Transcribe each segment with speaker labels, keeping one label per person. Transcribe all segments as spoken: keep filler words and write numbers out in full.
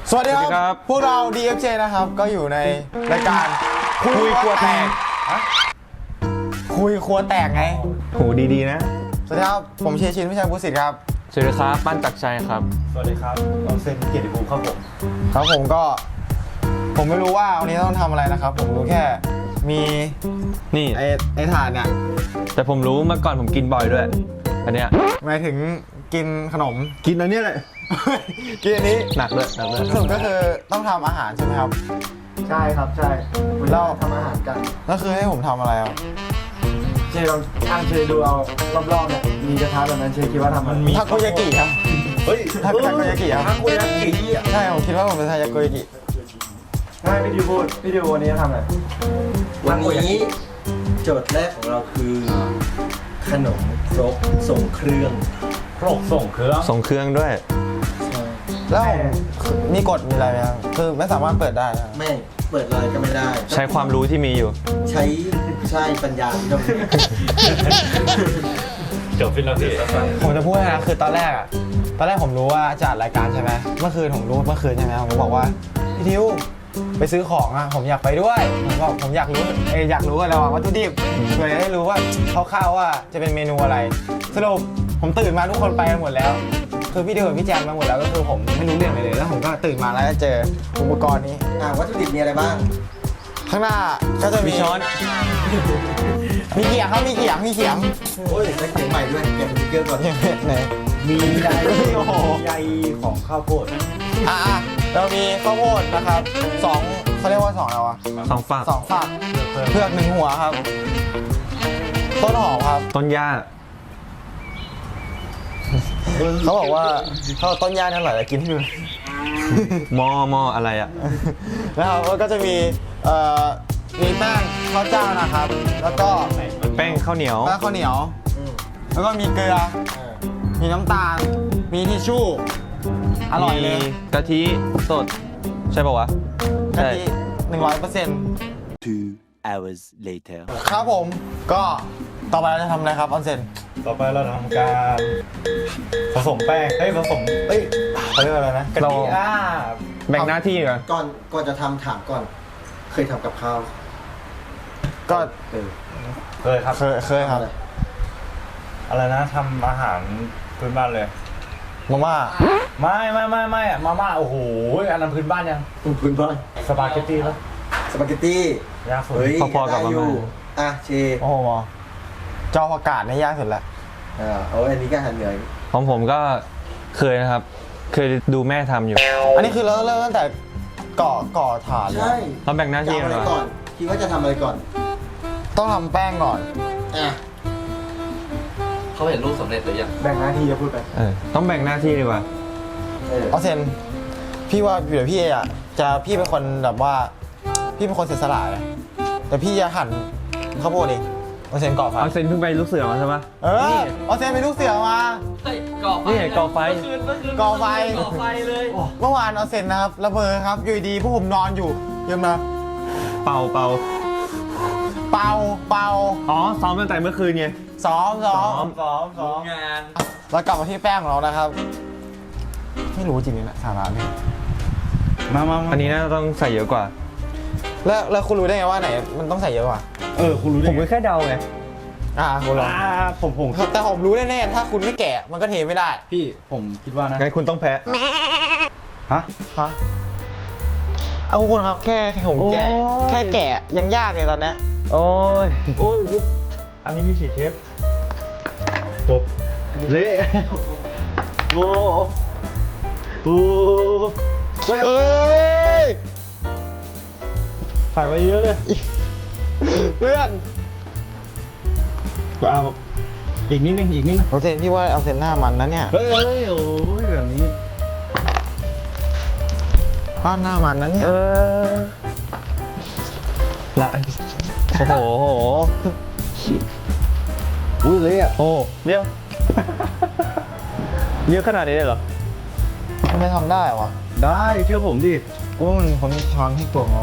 Speaker 1: สวัสดีครับพวกเรา ดี เอฟ เจ นะครับก็อยู่ในรายการคุยครัวแตกคุยครัวแตกไง
Speaker 2: โหดีๆนะ
Speaker 1: สวัสดีครับผมเชยชินพิชัยบุษสิทธิ์ครับ
Speaker 2: สวัสดีครับปั้นจักรชัยครับ
Speaker 3: สวัสดีครับน้องเซนเกียรติภูมิครับผม
Speaker 1: ครับผมก็ผมไม่รู้ว่าวันนี้ต้องทำอะไรนะครับผมรู้แค่มี
Speaker 2: นี่
Speaker 1: ไอ้ไอ้ถาดเนี่ย
Speaker 2: แต่ผมรู้เมื่อก่อนผมกินบ่อยด้วยอันเนี้ย
Speaker 1: หมายถึงกินขนม
Speaker 2: กินอันนี้แหละ
Speaker 1: กินอันนี้
Speaker 2: หนักเลยหนักเลย
Speaker 1: สรุปก็คือต้องทำอาหารใช่ไหมครับ
Speaker 3: ใช่ครับใช่
Speaker 1: เรา
Speaker 3: ทำอาหารกัน
Speaker 1: ก็คือให้ผมทำอะไรครับ
Speaker 3: เชยลองอ่านเชยดูเอารอบๆเนี่ยมีกระทะแบบนั้นเชยคิดว่าทำมันมี
Speaker 1: ทาโกยากิครับ
Speaker 3: เฮ้ย
Speaker 1: ทาโกยากิครับ
Speaker 3: ทาโกยากิ
Speaker 1: ใช่ผมคิดว่าผมจะทาโกยากิ
Speaker 3: ใช่พี่ดิวพูดพี่ดิววันนี้ทำอะไร
Speaker 4: วันนี้โจทย์แรกของเราคือขนมครกส่งเครื่อง
Speaker 3: ครกส่งเครื่อง
Speaker 2: ส่งเครื่องด้วย
Speaker 1: แล้วมีกฎมีอะไรไหมครับคือไม่สามารถเปิดได้นะ
Speaker 4: ไม่เปิดเลยก็ไม่ได้
Speaker 2: ใช้ความรู้ที่มีอยู่
Speaker 4: ใช้ใช่ปัญญาที่ต้อง
Speaker 3: จบฟิลาเฟ่
Speaker 1: ผมจะพูดนะคือตอนแรกอะตอนแรกผมรู้ว่าจัดรายการใช่ไหมเมื่อคืนผมรู้เมื่อคืนใช่ไหมผมบอกว่าพี่ทิวไปซื้อของอะผมอยากไปด้วยผมบอกผมอยากรู้เอออยากรู้อะไรวะวัตถุดิบเพื่อจะได้รู้ว่าคร่าวๆว่าจะเป็นเมนูอะไรสรุปผมตื่นมาทุกคนไปกันหมดแล้วคือพี่เดินพี่แจมมาหมดแล้วก็คือผมไม่รู้เรื่องอะไรเลยแล้วผมก็ตื่นมาแล้วก็เจออุปกรณ์นี้
Speaker 4: อ่าวัตถุดิบมีอะไรบ้าง
Speaker 1: ข้างหน้าก็จะมีช้อนมีเขียงครับมีเขียงมีเขียง
Speaker 4: โอ้ยได้เขียงใหม่ด้วยเก็บสติ๊กเกอร์ก่อน
Speaker 1: ไหน
Speaker 3: มีใยใยของข้าวโพด
Speaker 1: อ่ะเรามีข้าวโพดนะครับสองเขาเรียกว่าสองอะไรวะ
Speaker 2: สองฝัก
Speaker 1: สองฝักเผือกหนึ่งหัวครับต้นหอมครับ
Speaker 2: ต้นหญ้า
Speaker 1: เขาบอกว่าเขาต้นหญ้าเนี่ยอร่อยเลยกินให้ดู
Speaker 2: มอมออะไรอ่ะ
Speaker 1: นะครับก็จะมีเอ่อมีแป้งข้าวเจ้านะครับแล้วก็
Speaker 2: แป้งข้าวเหนียว
Speaker 1: แป้งข้าวเหนียวแล้วก็มีเกลือมีน้ำตาลมีทิชชู่อร่อยเลย
Speaker 2: กะทิสดใช่ป่าวะ
Speaker 1: กะทิหนึ่งร้อยเปอร์เซ็นต์
Speaker 4: two hours later
Speaker 1: ครับผมก็ต่อไปเราจะทำอะไรครับออนเซน
Speaker 3: ต่อไปเราทำการผสมแป้งเฮ้ยผสมเอ้ยเขาเรียกอะไรนะกะทิอ่า
Speaker 2: แบ่งหน้าที่ก่อน
Speaker 4: ก่อนก่อนจะทำถามก่อนเคยทำกับข้าว
Speaker 1: ก็
Speaker 3: เคยครับ
Speaker 1: เคยเคยครับ
Speaker 3: อะไรนะทำอาหารพื้นบ้านเลย
Speaker 1: มาม่า
Speaker 3: ไม่ไม่ไม่ไม่อะมาม่าโอ้โหอันนั้นพื้นบ้านยัง
Speaker 4: พื้นบ้าน
Speaker 3: สปาเกตตี้แล้ว
Speaker 4: สปาเกตตี้
Speaker 3: ยากสุด
Speaker 2: พอๆกับมาม่า
Speaker 4: อ่ะเช
Speaker 1: โอ้โหจอผักกาดนี่ยากสุดละ
Speaker 4: อ่าโอ้อันนี้ก็หันเหนื่อย
Speaker 2: ของผมก็เคยนะครับเคยดูแม่ทำอยู่
Speaker 1: อันนี้คือเราเริ่มตั้งแต่ก่อก่อฐาน
Speaker 4: ใช่
Speaker 2: เราแบ่งหน้าที่
Speaker 4: อะไรก่อนคิดว่าจะทำอะไรก่อน
Speaker 1: ต้องทำแป้งก่อน
Speaker 4: อ่ะเขาเห็นรูปสำเร็จหรือยัง
Speaker 3: แบ่งหน้าที่จะพูดไป
Speaker 2: เออต้องแบ่งหน้าที่ดีกว่า
Speaker 1: เอาเซนพี่ว่าเดี๋ยวพี่อ่ะจะพี่เป็นคนแบบว่าพี่เป็นคนเสียสละเลยแต่พี่จะหั่นข้าวโพดเองเอาเซนก่อไฟ
Speaker 2: เอาเซนเพิ่งไปลูกเสือมาใช่ปะ
Speaker 1: เออเอาเซนไปลูกเสือมา
Speaker 2: ก่อไฟนี่ก่อไฟ
Speaker 1: ก่อไฟ
Speaker 4: ก่อไฟเลย
Speaker 1: เมื่อวานเอาเซนนะครับระเบิดครับอยู่ดีพวกผมนอนอยู่เยี่ยมนะ
Speaker 2: เป่าเป่า
Speaker 1: เป่าเป่า
Speaker 2: อ๋อซ้อมตั้งแต่เมื่อคืนไง
Speaker 1: ซ้อมซ้อ
Speaker 3: มซ้อมซ้อม
Speaker 4: งาน
Speaker 1: เรากลับมาที่แป้งของเรานะครับไม่รู้จริงๆนะสาระนี่
Speaker 2: มามาอันนี้น่าต้องใส่เยอะกว่า
Speaker 1: แล้วแล้วคุณรู้ได้ไงว่าไหนมันต้องใส่เยอะกว่า
Speaker 3: เออคุณรู้ได้
Speaker 2: ผมแค่เดาไง
Speaker 1: อ่าคุณรู้อ่า
Speaker 3: ผมผม
Speaker 1: แต่ผมรู้แน่ๆถ้าคุณไม่แกะมันก็เทไม่ได้
Speaker 3: พี่ผมคิดว่านะ
Speaker 2: งั้นคุณต้องแพ้
Speaker 3: ฮะ
Speaker 1: ฮะเอาคุณครับแค่ผมแกะแค่แกะยังยากเลยตอนนี้
Speaker 2: โอ้ย
Speaker 3: โอ้ยอันนี้มีสี่เชฟจบเละโอ้โห
Speaker 1: เอ้ย
Speaker 3: ใส่ไปเยอะเลย
Speaker 1: เพื่อน
Speaker 3: ก็เอาอีกนิดนึงอีกนิดนึง
Speaker 1: เอาเซนพี่ว่าเอาเซนหน้ามันนะเนี่ย
Speaker 3: เฮ้ยโอ้ยแบบนี้
Speaker 1: ผ้าหน้ามันนะเนี่ย
Speaker 2: เออละโอ้โห
Speaker 3: อุ้ยเลยอ่ะ
Speaker 2: โอ้เดี๋ยวเยอะขนาดนี้เลยเหรอ
Speaker 1: ไม่ทำได้วะ
Speaker 3: ได้เชื่อผมดิ
Speaker 1: กูมันคนช้อนที่ตัวงอ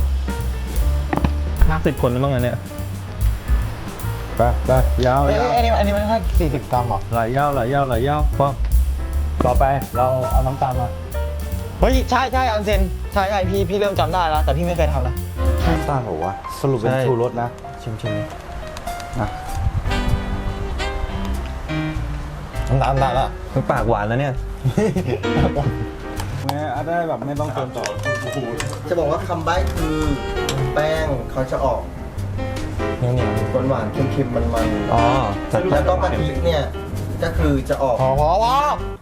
Speaker 2: ห้าสิบคนแล้วมั้งเนี่ย
Speaker 3: ไปไปยาว
Speaker 1: ๆอันนี้อันนี้มันแค่สี่สิบกรัมหรอ
Speaker 3: ไหลยาวไหลยาวไหลยาวพอต่อไปเราเอาน้ำตาลมา
Speaker 1: เฮ้ยใช่ใช่ออนเซ็นใช่ใช่พี่พี่เริ่มจำได้แล้วแต่พี่ไม่เคยทำนะ
Speaker 3: น้ำตาลเหรอวะสรุปเป็น
Speaker 2: ใช่
Speaker 3: ชูรสนะ
Speaker 1: ชิมชิม
Speaker 3: อ่ะ
Speaker 1: น้ำตาลน้ำตาลละ
Speaker 2: มันปากหวานแล้วเนี่ย
Speaker 3: แม่อาจได้แบบไม่ต้องเติมต่อ
Speaker 4: จะบอกว่าคำใบ้คือแป้งเขาจะออก
Speaker 1: เหนียวเหนียว
Speaker 4: หวานหวานๆเค็มๆมัน
Speaker 2: อ๋อจัด
Speaker 4: ๆแล้วก็กะทิเนี่ยก็คือจะออก
Speaker 1: พอพอพอ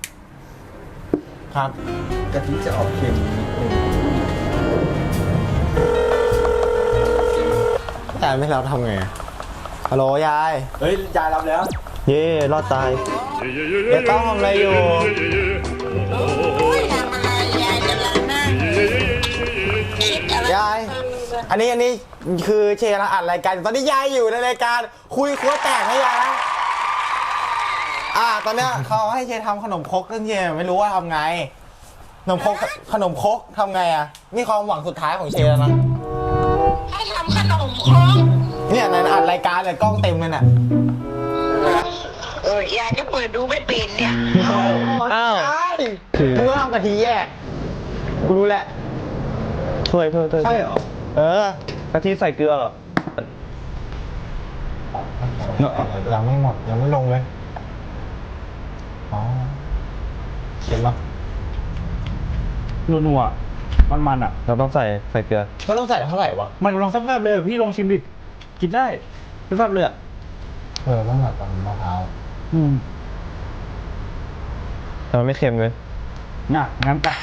Speaker 1: ครับ
Speaker 4: กะทิจะออกเค็มนิดนึง
Speaker 1: แต่ไม่รับทำไงฮัลโหลยาย
Speaker 3: เฮ้ยยายรับแล้ว
Speaker 1: เย่รอดตายเดี๋ยวต้องทำอะไรอยู่
Speaker 5: โอ้ยทำอะไรยายกำลังนั่งคิดอะไร
Speaker 1: ยาย อันนี้อันนี้คือเชยร์อัดรายการอยู่ตอนนี้ยายอยู่ในรายการคุยครัวแตกให้ยายนะอ่า ตอนเนี้ยเขาให้เชยร์ทำขนมครกซึ่งเชยร์ไม่รู้ว่าทำไง ขนมครกขนมครกทำไงอ่ะ นี่ความหวังสุดท้ายของเชยร์แล้วนะ
Speaker 5: ให้ทำขนมครก
Speaker 1: เนี่ยในอัดรายการเลยกล้องเต็มเลยน่ะ
Speaker 5: เออยายก็เปิดดูไม่เป็นเนี่ย
Speaker 1: อ้าวมึงก็ทำกะทิแยกกูรู้แหละ
Speaker 2: ช่วยเพิ่มเพิ่ม
Speaker 3: ใช่เหรอ
Speaker 1: เออก
Speaker 2: ะทิใส่เกลือเหรอ
Speaker 1: ยังไม่หมดยังไม่ลงเลย อ๋อเห็นปะ
Speaker 3: นัวๆมันๆอ่ะ
Speaker 2: เราต้องใส่ใส่เกลือ
Speaker 1: ก็ต้องใส่เท่าไหร่วะ
Speaker 3: มันลองสักแป๊บเลยพี่ลองชิมดิ กินได้สักแป๊บเลยอ่ะ
Speaker 1: เออต้องแบบตอนมะพร้าว
Speaker 3: อืม
Speaker 2: แต่มันไม่เค็มเลย
Speaker 3: น่ะงั้นไป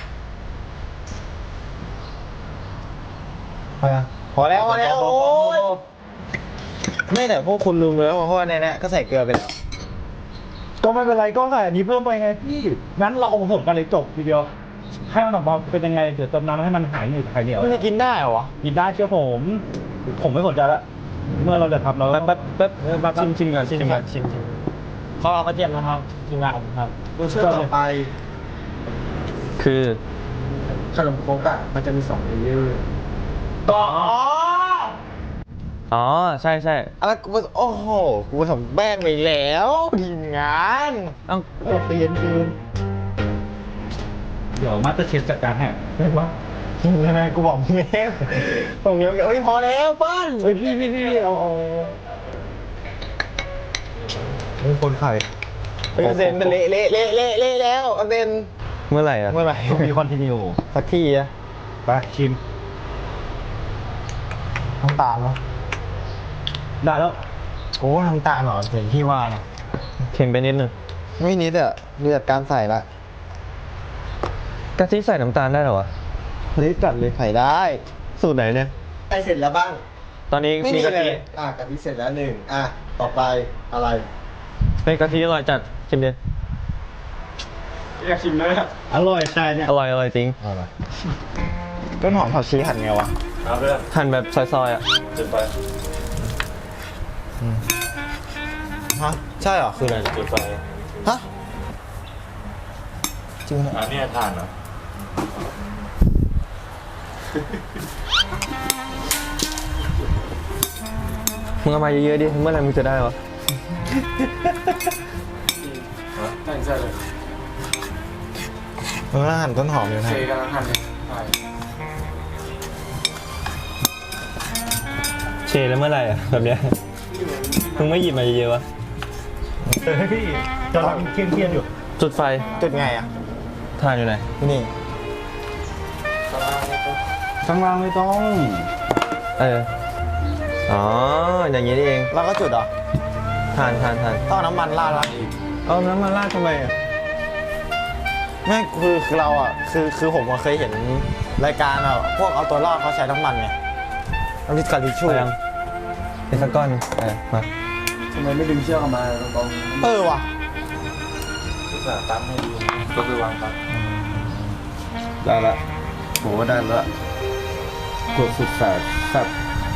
Speaker 1: พอยังพอแล้วพอแล้วโอ้ยไม่แต่พวกคุณลืมไปแล้วเพราะว่าในนี้ก็ใส่เกลือไปแล้ว
Speaker 3: ก็ไม่เป็นไรก็ใส่อันนี้เพิ่มไปไงพี่งั้นเราเอาผสมกันเลยจบทีเดียว ให้มันออกมาเป็นยังไงเดี๋ยวเติมน้ำให้มันหายเหนียวหายเหนียว
Speaker 1: มันจะกินได้เหรอวะ
Speaker 3: กินได้เชื่อผม ผมไม่สนใจละเมื่อเราจะทำเรา
Speaker 2: แป๊บแป๊บแป๊บ
Speaker 3: เออแป๊บ
Speaker 2: ชิมชิมก่อน
Speaker 1: ชิม
Speaker 2: ชิม
Speaker 1: ก่
Speaker 2: ก่
Speaker 1: อ
Speaker 2: อน น
Speaker 1: ชิมชิมเขาเอากระเทียมนะครับชิมงานครับ
Speaker 4: รสชาติต่อไป
Speaker 2: คือ
Speaker 4: ขนมครกอ่ะมันจะมีสองเลเยอร์
Speaker 1: ต่อ
Speaker 2: อ๋อใช่ใช่
Speaker 1: อะไรกูโอ้โหกูผสมแป้งไปแล้วทีมงาน
Speaker 2: เอ้า
Speaker 3: โอ้เตียนคืนเดี๋ยวมาสเตอร์เชฟจัดการให้ไม่ว่า
Speaker 1: ยังไงกูบอกมึงแล้วผมยังเอ้ยพอแล้วเปิ้ล
Speaker 3: เฮ้ยพี่พี่พี่เอาเอา
Speaker 1: มึงคนไข่เฮ้ยเซนเละเละเละเละเละแล้วเซน
Speaker 2: เมื่อไหร่อ่ะ
Speaker 1: เมื่อไหร่
Speaker 3: มีคอนติเนีย
Speaker 1: สักทีอะ
Speaker 3: ไปชิม
Speaker 1: น้ำตาลเนาะ
Speaker 3: ได้แล้ว
Speaker 1: โอ้น้ำตาลเหรอเห็นพี่ว่านะ
Speaker 2: เค็มไปนิดนึง
Speaker 1: ไม่นิดอะเลือดการใส่ละ
Speaker 2: กะทิใส่น้ำตาลได้เหรอวะ
Speaker 1: นิดจัดเลยใส่ได้
Speaker 2: สูตรไหนเนี่ย
Speaker 4: ใกล้เสร็จแล้วบ้าง
Speaker 2: ตอนนี้
Speaker 1: ไม่มี
Speaker 2: มีกะ
Speaker 1: เล
Speaker 2: ทิ
Speaker 1: ย
Speaker 4: อ่ะกะทิเสร็จแล้วหนึ่งอ่ะต่อไปอะไร
Speaker 2: เป็นกะทิอร่อยจัดชิมดิ
Speaker 3: อยากชิมเลยครับอร่อยใช่เนี่ย
Speaker 2: อร่อยอร่อยจริง
Speaker 1: ต้นหอมผักชีหั่นไงวะ
Speaker 2: หั่นแบบซอยๆอ่ะ
Speaker 1: ฮะใช่เหรอคืออะไร
Speaker 2: จุดไฟ
Speaker 1: ฮะจริงเหรอ
Speaker 2: อันนี้ทานเหรอมึงเอามาเยอะๆดิเมื่อไหร่มึงจะได้วะ
Speaker 1: เออหั่นต้นหอมอยู่นะ
Speaker 2: เชแล้วเมื่อไหร่อ่ะแบบเนี้ยมึงไม่หยิบมาเยอะๆวะ
Speaker 3: เออพี่กำลังเครียดๆอยู่
Speaker 2: จุดไฟ
Speaker 1: จุดไงอะ
Speaker 2: ทานอยู่ไหน
Speaker 1: นี่
Speaker 3: ข้างล่างไม่ต้อง
Speaker 2: เออ อ๋อ อย่างนี้นี่เอง
Speaker 1: แล้วก็จุดเหรอ
Speaker 2: ทานทานทาน
Speaker 1: ต้องเอาน้ำมันราดวะ
Speaker 2: เอาน้ำมาราดทำไมอ่ะ
Speaker 1: ไม่คือคือเราอ่ะคือคือผมอะเคยเห็นรายการอ่ะพวกเอาตัวรอดเขาใช้น้ำมันไงน้ำพริกกะทิชู
Speaker 2: ไปยังเป็นสักก้อนหนึ่งเออมา
Speaker 4: ทำไมไม่ดึงเชือกออกมาตรง
Speaker 1: เออว่ะ
Speaker 4: ๆอุตส่าห์ตั้มให้ดูก็ไปวางตั้ม
Speaker 3: ได้ละโหได้ละกดสุดแสบแซ่บ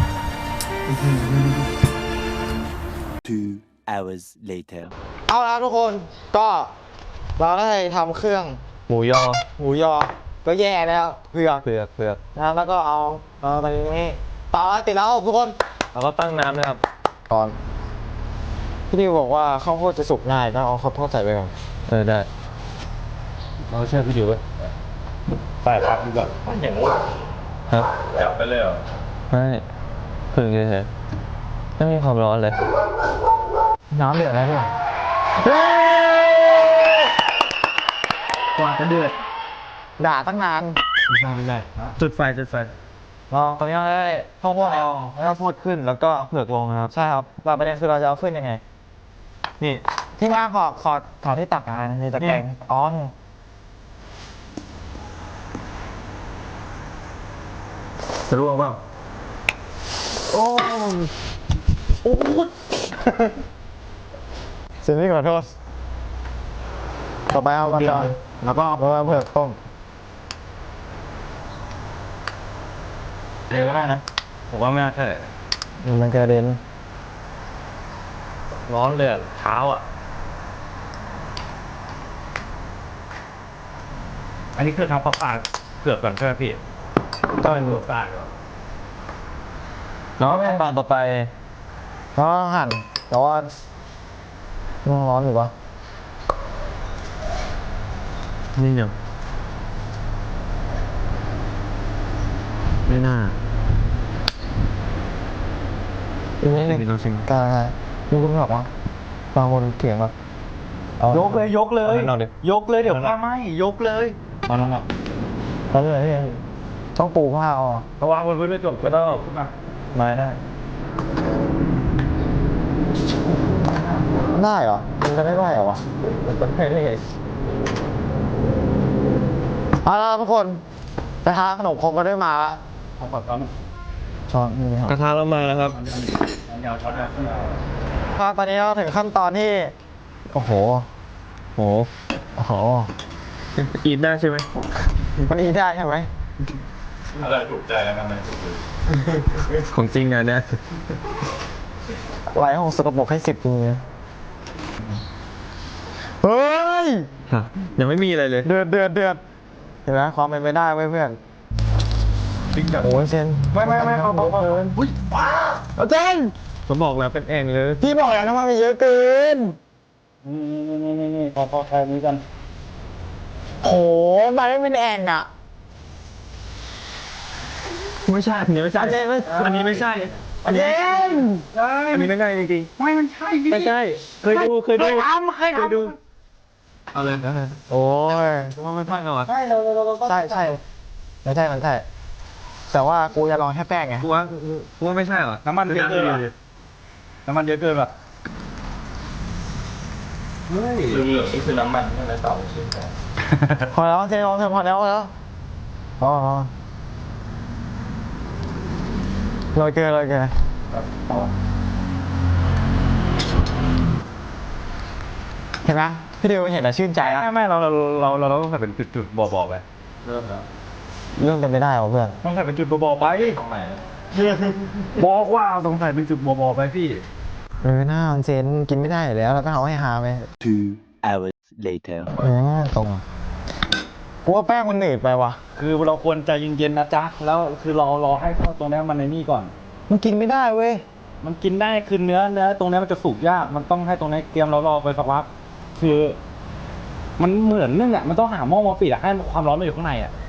Speaker 6: Two hours later.
Speaker 1: เอาละทุกคนก็เราก็ได้ทำเครื่อง
Speaker 2: หมูยอ
Speaker 1: หมูยอก็แย่แล้วเผือก
Speaker 2: เผือกเผือก
Speaker 1: นะแล้วก็เอาเอาตรงนี้ต่อติดแล้วทุกคน
Speaker 2: แล้วก็ตั้งน้ำนะครับ
Speaker 1: ก่อนพี่ดิวบอกว่าข้าวโพดจะสุกง่ายก็เอาข้าวโพดใส่ไปก่อน
Speaker 2: เออได้
Speaker 3: เราเชื่อพี่ดิวไว้
Speaker 1: เ
Speaker 3: ใส่พักดีกว่า
Speaker 2: ครับ
Speaker 3: จับไปเลยเหรอ
Speaker 2: ไม่ผึ่งเฉยๆไม่มีความร้อนเลย
Speaker 1: น้ำเดือดแล้วพี่
Speaker 3: กว่าจะเดือด
Speaker 1: ด่าตั้งนาน
Speaker 3: ไม่ได้ไม่ได้จุดไฟจุดไฟ
Speaker 1: ลองตอนนี้เราได้ข้าวโพดเอาข้าวโพดขึ้นแล้วก็เผือกลงนะครับ ใช่ครับแต่ประเด็นคือเราจะเอาขึ้นยังไง นี่ที่ว่างขอขอขอที่ตักอ่ะในตะแกรงอ๋อนี่จะร่วงเปล่าโอ้โอ้เสิ่งที่ขอโทษต่อไปเอากระจอนแล้วก็เอาเผือกต้มเดี๋ยวก็ได้นะ
Speaker 3: ผมว่าไม่น่าใช่
Speaker 1: มันกระเด็น
Speaker 3: ร้อนเลยอะเท้าอ่ะ อันนี้คือทำปลาปลาเผือกก่อนใช่ไหมพี่
Speaker 1: ก็เป็น
Speaker 3: เผือกปลาก่อน
Speaker 1: แล้วขั้นตอนต่อไปก็หั่นแต่ว่ามันร้อนอยู่ปะ
Speaker 2: นี่เดี๋ยวไม่น่า
Speaker 1: อีกนิดนึง
Speaker 2: มีตัวชิม
Speaker 1: กลางไงมึงคุณบอกว่าบางคนเถียงแบบ
Speaker 3: ยกเลยยกเลย
Speaker 2: เอาให้เราดิ
Speaker 3: ยกเลยเดี๋ยวผ้าไหมยกเลย
Speaker 1: ตอนนั้นอ่ะตอนนี้อะไรพี่ต้องปูผ้าเอาอ่ะ
Speaker 3: เพราะว่าบนพื้นไม่จบก็ต้องขึ้นมา
Speaker 1: ไม่ได้ ได้เหรอ มันจะไม่ได้เหรอวะมันไม่ได้เอาละทุกคนไปหาขนมครกกันได้มาละ
Speaker 3: ผมขอช้อน
Speaker 1: ช้อนนี่ค
Speaker 2: ก
Speaker 1: รับ
Speaker 2: ระทะเรามาแล้วครับ
Speaker 3: เดี๋ยวช้อนนะ
Speaker 1: ก็ตอนนี้เราถึงขั้นตอนที่ โอ้โห
Speaker 2: โห
Speaker 1: โอ้โห
Speaker 2: กินได้ใช่ไหม
Speaker 1: มันอีได้ใช่ไหม
Speaker 3: อะไรถูกใจแล้วกันเลยถูกเลย
Speaker 2: ของจริงอ่ะเนี่ย
Speaker 1: ไหลของสกปรกให้สิบมือเฮ้ย
Speaker 2: ฮะยังไม่มีอะไรเลย
Speaker 1: เดือดเดือดเดือดเห็นไหมความเป็นไปได้เว้ยเพื่อน
Speaker 3: จริงจัง
Speaker 1: โอ้ยเซน
Speaker 3: ไม่ไม่ไม่เอาเอาเอาอุ้ยว้า
Speaker 1: เอาเจน
Speaker 2: ผมบอกแล้วเป็นเองเลย
Speaker 1: พี่บอกแล้วนะว่ามันเยอะเกิน
Speaker 3: นี่นี่นี่นี่พอพอแค่นี้กัน
Speaker 1: โหมันไม่เป็นแอ่งอ่ะ
Speaker 2: ไม่ใช่อันนี้ไม่ใช่
Speaker 1: อันนี้ไม่
Speaker 2: อันนี้ไม่ใช่
Speaker 1: อันนี้
Speaker 2: อันนี้ไม่ใช่จริง
Speaker 3: ไม่มันใช่พี่
Speaker 2: ๆไม่ใช่ เคยดูเคยดู
Speaker 3: เคยทำเคย
Speaker 2: เคย
Speaker 3: ทำ
Speaker 2: ดูเอาเลยนะ
Speaker 1: โอ้ย
Speaker 2: ว่าไม่ใช่เหรอวะ
Speaker 1: ใช่เราเราเราใช่ใช่ไม่ใช่มันใช่แต่ว่ากูจะลองแค่แป้งไง
Speaker 2: กูว่ากูว่าไม่ใช่เหรอ
Speaker 3: น้ำมันเยอะเกินว่ะน้ำมันเยอะเกินป่ะ
Speaker 2: เฮ้ย
Speaker 3: เหลืองๆนี่คือน้ำมันใช่ไหมเต่าใช่ไหม
Speaker 1: พอแล้วเจนลองเถอะพอแล้วพอแล้วพอพอโรยเกลือโรยเกลือเห็นไหมพี่ดิวเห็นแล้วชื่นใจนะ
Speaker 3: ไม่ไม่เราเราเราเราเราต้องใส่เป็นจุดๆบ่อๆไป
Speaker 1: เรื่องเป็นไปได้เหรอเพื่อน
Speaker 3: ต้องใส่เป็นจุดบ่อๆไปตรงไหนบอกว่าต้องใส่เป็นจุดบ่อๆไปพี่
Speaker 1: เออหน้ามันเจนกินไม่ได้อยู่แล้วแล้วก็เอาให้หาไป
Speaker 6: Two hours later.
Speaker 1: เออตรงกูว่าแป้งมันหนืดไปว่ะ
Speaker 3: คือเราควรใจเย็นๆนะจ๊ะแล้วคือรอรอให้เข้าตรงนี้มันในนี่ก่อน
Speaker 1: มันกินไม่ได้เว้ย
Speaker 3: มันกินได้คือเนื้อเนื้อตรงนี้มันจะสุกยากมันต้องให้ตรงนี้เตรียมเรารอไปสักพักคือ มันเหมือนนึ่งอ่ะมันต้องหาหม้อมาปิดอ่ะให้ความร้อนมันอยู่ข้างในอ่ะ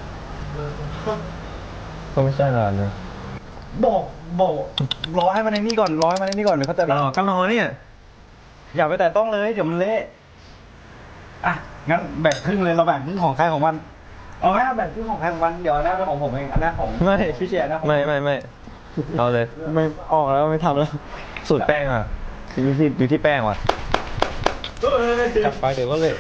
Speaker 2: ก็ไม่ใช่หรอกเนี่ย
Speaker 3: บอกบอกรอให้มันในนี่ก่อนรอให้มันในนี่ก่อนเดี๋ยวเขาจะ
Speaker 2: รอก็รอเนี่ย
Speaker 3: อย่าไปแต่ต้องเลยเดี๋ยวมันเละอ่ะงั้นแบ่งครึ่งเลยเราแบ่งครึ่งของใครของมันเอาไหมเอาแบ่งครึ่งของใครของมันเดี๋ยวอันนั้นเป็นของผมเองอันนั้นของ
Speaker 2: ไม่
Speaker 3: พี่เจนะของ
Speaker 2: ไม่ไม่ไม่เอาเลย
Speaker 1: ไม่ออกแล้วไม่ทำแล้ว
Speaker 2: สูตรแป้งอ่ะอยู่ที่อยู่ที่แป้งว่ะจับไปเดี๋ยวก็เลย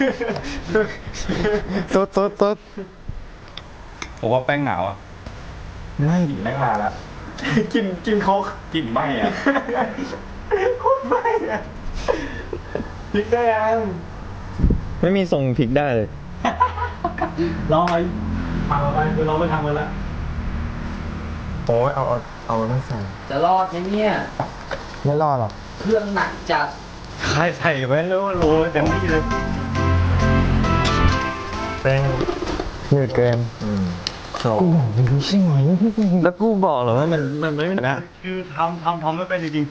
Speaker 1: ตุ๊ดตุ๊ดตุ๊ด
Speaker 3: ผมว่าแป้งหนาวอ่ะ
Speaker 1: ไม่
Speaker 3: แป้งมาละกินกินโคกกลิ่นไหม้อ่ะโคตรไหม้อ่ะพริกได้ยัง
Speaker 2: ไม่มีทรงพริกได้เลย
Speaker 3: ลองไปมาไปคือเราไม่ทำกันละ
Speaker 1: โอ้ยเอาเอาเอาไม่ใส่
Speaker 5: จะรอดไหมเนี่ย
Speaker 1: ไม่รอดหรอก
Speaker 5: เครื่องหนักจัด
Speaker 3: ใครใส่ไว้แล้วโรยเต็มที่เลย
Speaker 2: แป้ง
Speaker 1: หนืดเกิน
Speaker 2: สอง
Speaker 1: กูบอกไม่รู้ใช่ไหม
Speaker 2: แล้วกูบอกเหรอว่ามันมันไม่นะ
Speaker 3: คือทำทำทำไม่เป็นจริง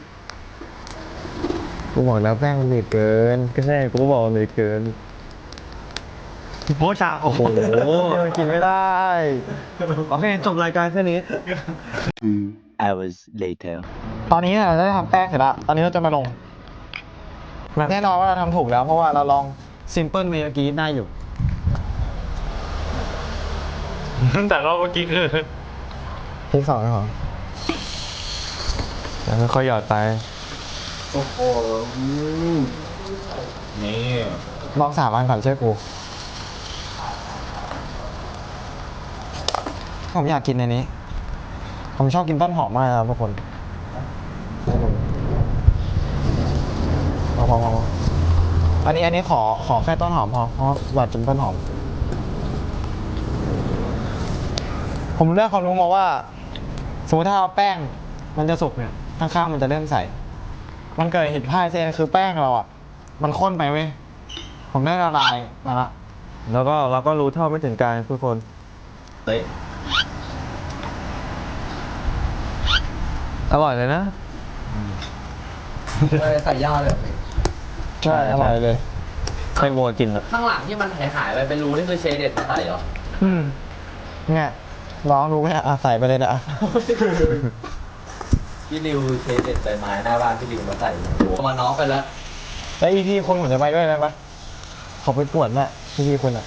Speaker 1: กูบอกแล้วแป้งมันหนืดเกิน
Speaker 2: ก็ใช่กูบอกเลยเกินโอ้ชาโอ้โห
Speaker 1: มันกินไม่ได้
Speaker 2: โอเคจบรายการแค่นี้
Speaker 6: Two hours later.
Speaker 1: ตอนนี้เราได้ทำแป้งเสร็จแล้ว ตอนนี้เราจะมาลง แน่นอนว่าเราทำถูกแล้ว เพราะว่าเราลองซิมเปิลเมื่อกี้ได้อยู่
Speaker 2: แต่รอบเมื่อกี้คือ
Speaker 1: พริกสองเหรอ
Speaker 2: แล้วค่อยหยอดไป
Speaker 4: โอ้โหอืม
Speaker 2: นี่
Speaker 1: ลองสามอันก่อนเชื่อกู ผมอยากกินในนี้ ผมชอบกินต้นหอมมากนะครับทุกคนพอพอพออันนี้อันนี้ขอขอแค่ต้นหอมพอ เพราะอยากกินต้นหอม ผมได้ความรู้มาว่า สมมติถ้าเอาแป้ง มันจะสุกเนี่ย ข้างๆมันจะเริ่มใส มันเกิดเหตุพลาดเส้นคือแป้งเราอ่ะ มันข้นไปเว้ย ผมได้ละลายมาละ
Speaker 2: แล้วก็เราก็รู้เท่าไม่ถึงการทุกคน
Speaker 4: เตะ
Speaker 2: อร่อยเลยนะ
Speaker 4: ใส่ย่าเลยเหรอพี่
Speaker 1: ใช่อร่อยเลย
Speaker 2: ใครโมกินอ่ะ
Speaker 7: ข้างหลังที่มันหายหายๆไปเป็นรูนี่คือเชเด็ดมาใส่เหรอ
Speaker 1: อืมเนี่ยร้องรู้ไหมอ่ะใส่ไปเลยนะ
Speaker 7: พี่ริวเชเด็ดใส่ไม้หน้าบ้านพี่ริวมาใส่โอ้โหมาน้องไปแล้ว
Speaker 1: แล้วอีพีคนผมจะไปด้วยได้ปะขอไปปวดแหละอีพีคนอ่ะ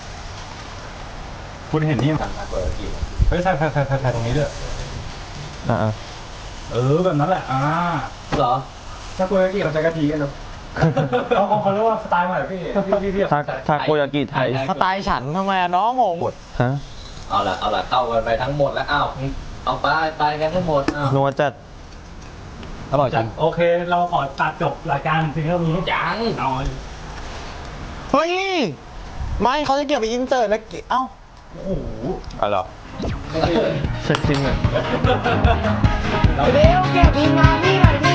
Speaker 3: คุณเห็นนี่
Speaker 7: ทำมาเปิดกี่
Speaker 3: เฮ้ยใส่ใส่ใส่ใส่ใส่ตรงนี้ด้วย
Speaker 2: อ่า
Speaker 3: เออแบบนั้นแหละ อ่า
Speaker 7: เหรอ
Speaker 3: ถ้าคุณกี้เขาใช้กะทิกันเนาะเขาเขาเรียกว่าสไตล์ใหม่พี่พี่พี่พี่
Speaker 2: ทาทาโกยากิไทย
Speaker 1: สไตล์ฉันทำไมอะน้องงง
Speaker 2: ฮะ
Speaker 7: เอาละเอาละเข้ากันไปทั้งหมดแล้วอ้าวเอาไปไปกันทั้งหมดอ้าว
Speaker 2: นัวจัด
Speaker 1: อร่อยจริง
Speaker 3: โอเค เราขอตัดจบรายการเพียงเท่านี้
Speaker 7: ยัง
Speaker 3: เอา
Speaker 1: เฮ้ย ไม่เขาจะเก็บไปอินเสิร์ตแล้วเก็บเอ้า
Speaker 3: โอ้โห
Speaker 2: อ๋อเหรอเสร็จจริงอ่ะ
Speaker 1: เร็วเก็บทีมงานนี่หน่อยดิ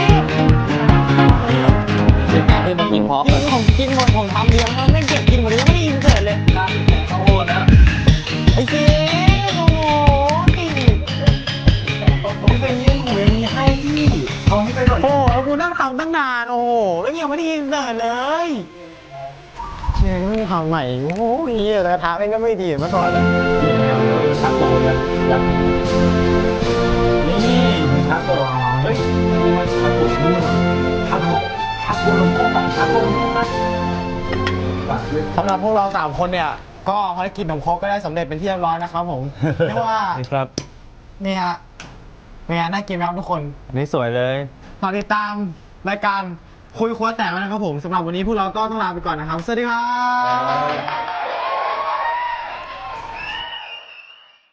Speaker 7: คือมันกินพร้อม
Speaker 1: กินผมกินหมดผมทำเดียวแล้วไม่เก็บกินหมดเลยยังไม่ได้อินเสิร์ตเลย
Speaker 7: ข้าวโพดนะ
Speaker 1: ไอ้เจ๊โอ้โหผมเป็นยังหมูยังมีให้พี่เอาให้ไปหน่อยโอ้โหแล้วกูนั่งทำตั้งนานโอ้โหแล้วยังไม่ได้อินเสิร์ตเลยเชี่ยไม่ทำใหม่โอ้โหเหี้ยแต่กระทะเองก็ไม่ดีเหมาก่อนเลย
Speaker 3: ชักโตเลยนี่ชักโตเฮ้ยมันชักโตนี่ชักโตชักโตลงโตชักโตลงโต
Speaker 1: สำหรับพวกเราสามคนเนี่ย ก็ภารกิจของโค้กก็ได้สำเร็จเป็นที่เรียบร้อยนะครับผมเรียกว่า
Speaker 2: นี่ครับ
Speaker 1: นี่ฮะเป็นไงน่ากินไหมครับทุกคน
Speaker 2: อันนี้สวยเลย
Speaker 1: ฝากติดตามรายการคุยครัวแตกแล้วนะครับผมสำหรับวันนี้พวกเราก็ต้องลาไปก่อนนะครับ สวัสดีครับ